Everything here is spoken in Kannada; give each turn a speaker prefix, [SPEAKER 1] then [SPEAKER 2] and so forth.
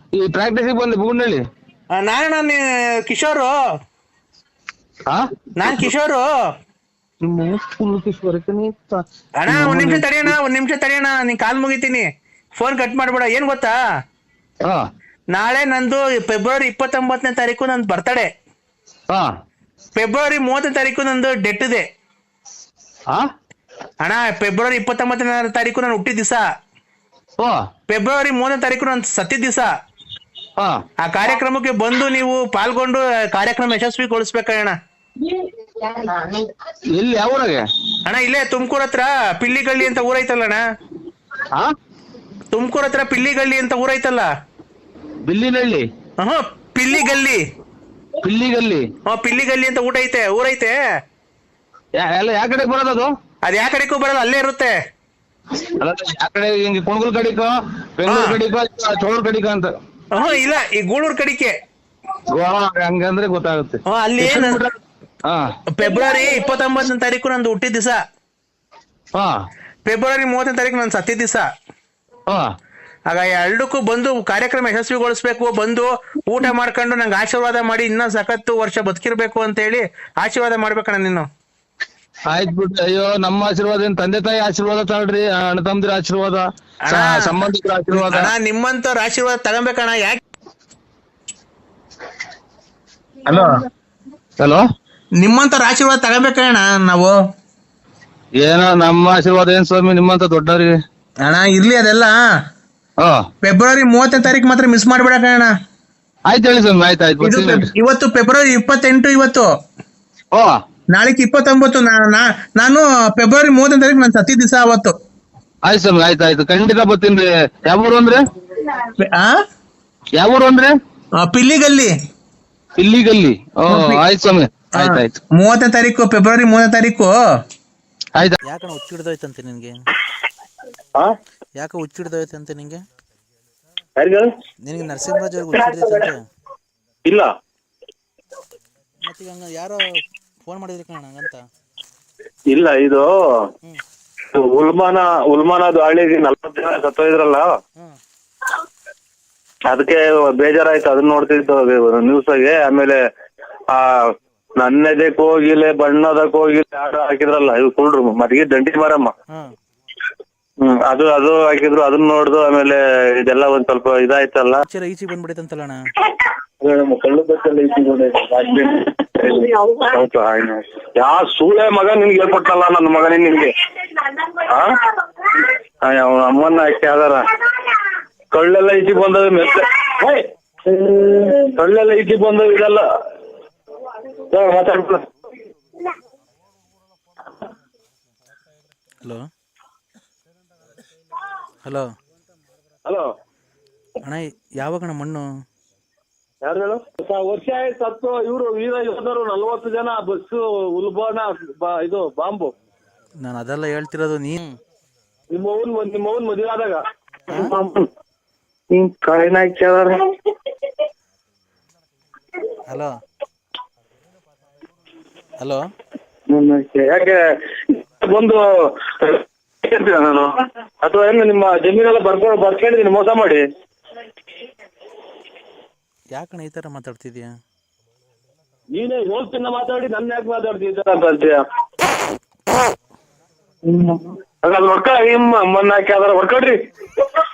[SPEAKER 1] ಈ ಪ್ರಾಕ್ಟೀಸಿಗೆ ಬಂದೆ ಬುಗುಂಡಳ್ಳಿ.
[SPEAKER 2] ನಾನು ಕಿಶೋರು. ನಾನ್ ಕಿಶೋರು. ಅಣ್ಣ ಒಂದ್ ನಿಮಿಷ ತಡಿಯಣ್ಣ ನೀನ್ ಕಾಲ್ ಮುಗಿತೀನಿ. ಫೋನ್ ಕಟ್ ಮಾಡ್ಬೇಡ. ಏನ್ ಗೊತ್ತಾ, ನಾಳೆ ನಂದು ಫೆಬ್ರವರಿ 29ನೇ ತಾರೀಕು ನಂದು ಬರ್ತಡೇ. ಫೆಬ್ರವರಿ 30ನೇ ತಾರೀಕು ನಂದು ಡೆತ್ ಇದೆ ಅಣ್ಣ. ಫೆಬ್ರವರಿ 29ನೇ ತಾರೀಕು ನಾನು ಹುಟ್ಟಿದ ದಿವಸ, ಫೆಬ್ರವರಿ 30ನೇ ತಾರೀಕು ನಾನು ಸತ್ತಿದ ದಿವಸ. ಆ ಕಾರ್ಯಕ್ರಮಕ್ಕೆ ಬಂದು ನೀವು ಪಾಲ್ಗೊಂಡು ಕಾರ್ಯಕ್ರಮ ಯಶಸ್ವಿಗೊಳಿಸ್ಬೇಕಣ್ಣ.
[SPEAKER 1] ಎಲ್ಲಿ ಯಾವ ಊರಾಗೆ
[SPEAKER 2] ಅಣ್ಣ? ಇಲ್ಲೇ ತುಮಕೂರ್ ಹತ್ರ ಪಿಲ್ಲಿಗಳ್ಳಿ ಅಂತ ಊರೈತಲ್ಲ ಅಣ್ಣ. ತುಮಕೂರ್ ಹತ್ರ ಪಿಲ್ಲಿಗಳ್ಳಿ ಅಂತ ಊರೈತಲ್ಲ.
[SPEAKER 1] ಬಿಲ್ಲಿನಹಳ್ಳಿ?
[SPEAKER 2] ಪಿಲ್ಲಿಗಲ್ಲಿ.
[SPEAKER 1] ಪಿಲ್ಲಿಗಲ್ಲಿ?
[SPEAKER 2] ಪಿಲ್ಲಿಗಲ್ಲಿ ಅಂತ ಊರೈತೆ.
[SPEAKER 1] ಎಲ್ಲ ಯಾವ ಕಡೆ ಬರೋದದು?
[SPEAKER 2] ಅದ್ ಯಾವ ಕಡೆಗೂ ಬರಲ್ಲ, ಅಲ್ಲೇ ಇರುತ್ತೆ.
[SPEAKER 1] ಯಾವ ಕಡೆ? ಹಿಂಗೆ ಕುಣಗುಲ್ ಕಡಿಕೋ, ಬೆಂಗಳೂರು ಕಡಿಕೋ, ಚೋಳೂರ್ ಕಡಿಕೋ ಅಂತ?
[SPEAKER 2] ಇಲ್ಲ, ಈ ಗೂಳೂರ್ ಕಡಿಕೆ.
[SPEAKER 1] ಹಂಗಂದ್ರೆ ಗೊತ್ತಾಗುತ್ತೆ.
[SPEAKER 2] ಅಲ್ಲಿ ಫೆಬ್ರವರಿ 29ನೇ ತಾರೀಕು ನಂದು ಹುಟ್ಟಿದ ದಿವಸ, ಫೆಬ್ರವರಿ 30ನೇ ತಾರೀಕು ನಾನು ಸತ್ತಿದ ದಿವಸ. ಆಗ ಎರಡಕ್ಕೂ ಬಂದು ಕಾರ್ಯಕ್ರಮ ಯಶಸ್ವಿಗೊಳಿಸ್ಬೇಕು. ಬಂದು ಊಟ ಮಾಡ್ಕೊಂಡು ನಂಗೆ ಆಶೀರ್ವಾದ ಮಾಡಿ ಇನ್ನ ಸಖತ್ತು ವರ್ಷ ಬದುಕಿರ್ಬೇಕು ಅಂತ ಹೇಳಿ ಆಶೀರ್ವಾದ ಮಾಡ್ಬೇಕಣ್ಣ ನೀನು.
[SPEAKER 1] ಆಯ್ತು ಬಿಡ್ರಿ. ಅಯ್ಯೋ, ನಮ್ಮ ಆಶೀರ್ವಾದ ಏನ್ ತಂದೆ ತಾಯಿ ಆಶೀರ್ವಾದ ತಗೊಳ್ರಿ, ಅಣ್ಣ ತಮ್ಮದಿರ ಆಶೀರ್ವಾದ, ಸಂಬಂಧಿಕರ ಆಶೀರ್ವಾದ.
[SPEAKER 2] ನಿಮ್ಮಂತವ್ರ ಆಶೀರ್ವಾದ ತಗೊಬೇಕಣ್ಣ. ಯಾಕೆ?
[SPEAKER 1] ಹಲೋ,
[SPEAKER 2] ನಿಮ್ಮಂತವ್ರ ಆಶೀರ್ವಾದ ತಗೋಬೇಕಣ್ಣ ನಾವು.
[SPEAKER 1] ಏನೋ ನಮ್ಮ ಆಶೀರ್ವಾದ ಏನ್ ಸ್ವಾಮಿ ನಿಮ್ಮಂತ ದೊಡ್ಡವ್ರಿಗೆ.
[SPEAKER 2] ಅಣ್ಣ ಇರ್ಲಿ ಅದೆಲ್ಲ. ಫೆಬ್ರವರಿ 30ನೇ ತಾರೀಕು ಮಾತ್ರ ಮಿಸ್ ಮಾಡ್ಬೇಡಣ್ಣ.
[SPEAKER 1] ಆಯ್ತು ಹೇಳಿ ಸ್ವಾಮಿ. ಆಯ್ತು.
[SPEAKER 2] ಇವತ್ತು ಫೆಬ್ರವರಿ 28. ಇವತ್ತು ನಾಳೆಗೆ 29. ನಾನು ಫೆಬ್ರವರಿ 30ನೇ ತಾರೀಕು ನಾನು ಸತ್ತಿದ ದಿವಸ ಅವತ್ತು.
[SPEAKER 1] ಆಯ್ತು ಸ್ವಾಮಿ. ಆಯ್ತು ಖಂಡಿತ ಬರ್ತೀನಿ. ಯಾವ ಊರು ಅಂದ್ರೆ? ಯಾವ ಊರು ಅಂದ್ರೆ?
[SPEAKER 2] ಪಿಲ್ಲಿಗಲ್ಲಿ.
[SPEAKER 1] ಪಿಲ್ಲಿಗಲ್ಲಿ? ಆಯ್ತು ಸ್ವಾಮಿ. ಆಯ್ತು.
[SPEAKER 2] 30ನೇ ತಾರೀಕು, ಫೆಬ್ರವರಿ 30ನೇ ತಾರೀಕು.
[SPEAKER 1] ಆಯ್ತು.
[SPEAKER 3] ಯಾಕಣ್ಣ ಹುಚ್ಚಿಡ್ದೋಯ್ತಂತೆ ನಿನ್ಗೆ? ಯಾಕೆ ಹುಚ್ಚಿಡ್ದೋಯ್ತಂತೆ ನಿನ್ಗೆ? ನಿನಗೆ ನರಸಿಂಹರಾಜ್ ಅವ್ರಿಗೆ ಹುಚ್ಚಿಡ್ದೈತಂತೆ?
[SPEAKER 4] ಇಲ್ಲ.
[SPEAKER 3] ಮತ್ತೆ ಹಂಗ ಯಾರೋ ಫೋನ್ ಮಾಡಿದ್ರಿ ಕಣ ಹಂಗಂತ?
[SPEAKER 4] ಇಲ್ಲ, ಇದು ಉಲ್ಮಾನ ದಾಳಿಗೆ 40 ಜನ ಸತ್ತೋಯ್ದ್ರಲ್ಲ, ಅದಕ್ಕೆ ಬೇಜಾರಾಯ್ತು. ಅದನ್ನ ನೋಡ್ತಿದ್ದು ನ್ಯೂಸಾಗೆ. ಆಮೇಲೆ ನನ್ನೆದೆ ಕೋಗಿಲೆ ಬಣ್ಣದ ಕೋಗಿಲೆ ಹಾಡು ಹಾಕಿದ್ರಲ್ಲ, ಇದು ಕುಳ್ರು ಮದ್ಗೆ ದಂಡಿ ಮಾರಮ್ಮ. ಅದು ಹಾಕಿದ್ರು. ಅದನ್ನ ನೋಡ್ದು ಆಮೇಲೆ ಇದೆಲ್ಲ ಒಂದ್ ಸ್ವಲ್ಪ ಇದಾಯ್ತಲ್ಲ.
[SPEAKER 3] ಈಚೆಗೆ ಬಂದ್ಬಿಡೈತಂತಲ್ಲ ಅಣ್ಣ.
[SPEAKER 4] ಕಳ್ಳು ಬಸ್ಸಲ್ಲಿ ಯಾ ಸೂಳೆ ಮಗ ನಿನ್ಗೆ ಹೇಳ್ಕೊಟ್ಟಲ್ಲ ನನ್ನ ಮಗನೇ ನಿನ್ಗೆ. ಅವನ ಅಮ್ಮನ್ನ ಹಾಕಿ ಆದಾರ ಕಳ್ಳೆಲ್ಲ ಈಚೆಗೆ ಬಂದದ ಮೆತ್ತ. ಕಳ್ಳೆಲ್ಲ ಈಚೆಗೆ ಬಂದದ ಇದೆಲ್ಲ ಮಾತಾಡ್ಬಿಡ.
[SPEAKER 3] ಹಲೋ
[SPEAKER 4] ಹಲೋ
[SPEAKER 3] ಅಣ್ಣ, ಯಾವಾಗಣ್ಣ ಮಣ್ಣು?
[SPEAKER 4] ಯಾರು ಹೇಳು? ವರ್ಷ ಆಯ್ತು ಸತ್ತು. ಇವರು ವೀರ ಯೋಧರು 40 ಜನ ಬಸ್ಸು ಉಲ್ಬಾನ ಇದು ಬಾಂಬು.
[SPEAKER 3] ನಾನು ಅದೆಲ್ಲ ಹೇಳ್ತಿರೋದು.
[SPEAKER 4] ನಿಮ್ಮವನ್ ಮದುವೆ ಆದಾಗ ಕಾಯಿನ ಹಾಕ್ಯಾರ.
[SPEAKER 3] ಹಲೋ ಹಲೋ,
[SPEAKER 4] ಯಾಕೆ ಬಂದು ನಾನು ಅಥವಾ ಏನು ನಿಮ್ಮ ಜಮೀನೆಲ್ಲ ಬರ್ಕೊಂಡಿದ್ದೀನಿ ಮೋಸ ಮಾಡಿ?
[SPEAKER 3] ಯಾಕಣ್ಣ ಈ ತರ ಮಾತಾಡ್ತಿದ್ಯಾ?
[SPEAKER 4] ನೀನೇ ಹೋಗ್ತಿನ್ನ ಮಾತಾಡಿ ನನ್ನ ಯಾಕೆ ಮಾತಾಡ್ತೀವಿ ಈ ತರ ಅಂತ ಅಂತೀಯ? ಹೊಡ್ಕ ಅಮ್ಮನ್ನ ಹಾಕಿ ಅದರ ಹೊಡ್ಕೊಡ್ರಿ.